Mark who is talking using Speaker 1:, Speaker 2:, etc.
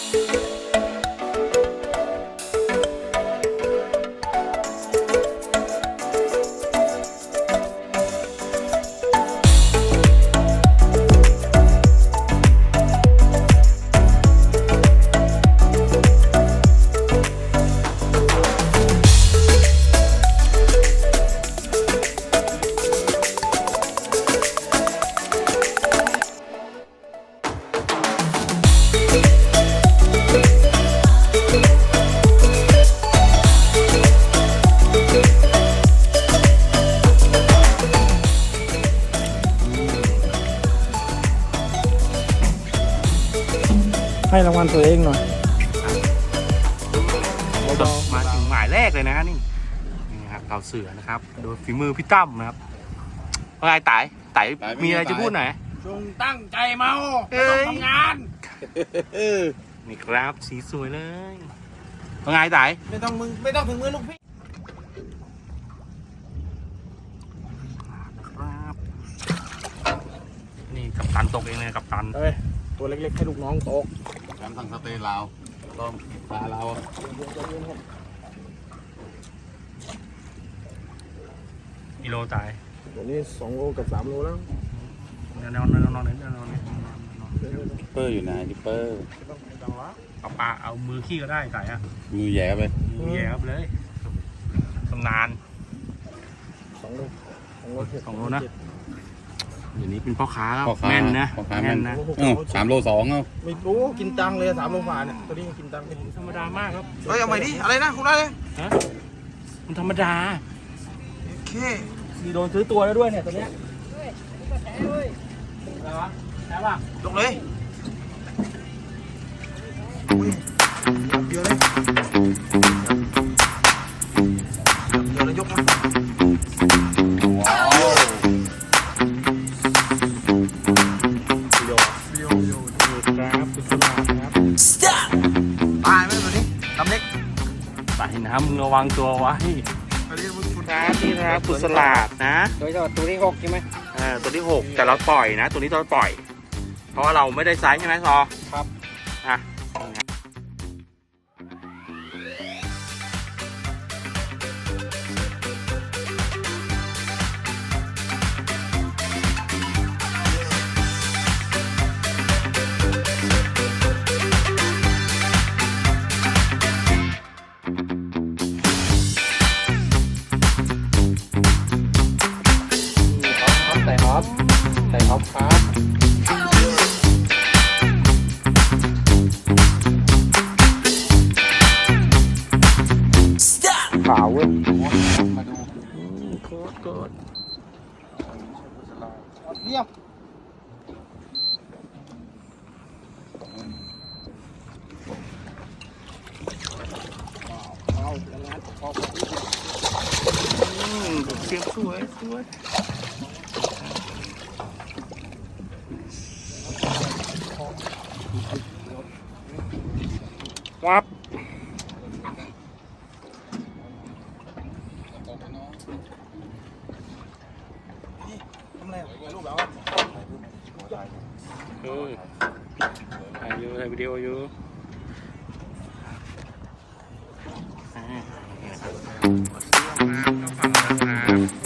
Speaker 1: ให้รางวัลตัวเองหน่อย
Speaker 2: มาถึงหมายแรกเลยนะนี่ครับเต่าเสือนะครับโดยฝีมือพี่ตั้มนะครับว่าไงไต่มีอะไรจะพูดหน่อย
Speaker 1: จงตั้งใจเมาไม่ต้องทำงาน
Speaker 2: นี่ครับสีสวยเลยว่าไงไต่
Speaker 1: ไม่ต้องถึงมือลูกพี่
Speaker 2: ครับนี่กัปตันตกเองเลยกัปตัน
Speaker 1: ตัวเล็กๆให้ลูกน้องตก
Speaker 3: การสั่งสเตย์ลาวต้องปลาลาว
Speaker 2: กิโลตาย
Speaker 1: ตัวนี้2 โลกับ3 โลแล้ว
Speaker 2: นอน
Speaker 3: ดิปเปอร์อยู่ไหนดิปเปอร์
Speaker 2: เอาปลาเอามือขี้ก็ได้ไต่อะ
Speaker 3: มือแย่ไป
Speaker 2: มือแย่ครับเลยตำนาน
Speaker 1: 2 โล
Speaker 2: นะอย่างนี้เป็นพ่อค้าครับแม่นนะ
Speaker 3: แม่นนะ3 โล 2เอา
Speaker 1: ไม่รู้กินตังเลย3 โลฝ่าเนี่ยตัวนี้กินตังเป็น
Speaker 2: ธรรมดามากครับ
Speaker 1: เฮ้ยเอาใหม่ดิอะไรนะคุณอะไร
Speaker 2: ฮะมันธรรมดา
Speaker 1: โอเค
Speaker 2: มีโดนซื้อตัวแล้วด้วยเนี่ยตัวเนี้ยอะไรวะแช่ป่ะ
Speaker 1: ยกเลยเดี๋ยวเลยยกมาตายไหมตัวนี้ลำเล็ก
Speaker 2: ตายนะมึงระวังตัวไว้นี่นะครับกุศลาดนะ
Speaker 1: ตัวที่6ใช่ไหม
Speaker 2: ตัวที่6แต่เราปล่อยนะตัวนี้เราปล่อยเพราะว่าเราไม่ได้ไซส์ใช่ไหมซอ
Speaker 1: ครับใส่ท็อปครับขาวเว้ยมาดูกดเยี่ยม
Speaker 2: เสียงสวยวับ
Speaker 1: ทำอะไรรูปแล้ว
Speaker 2: ถ่ายวิดีโออยู่มา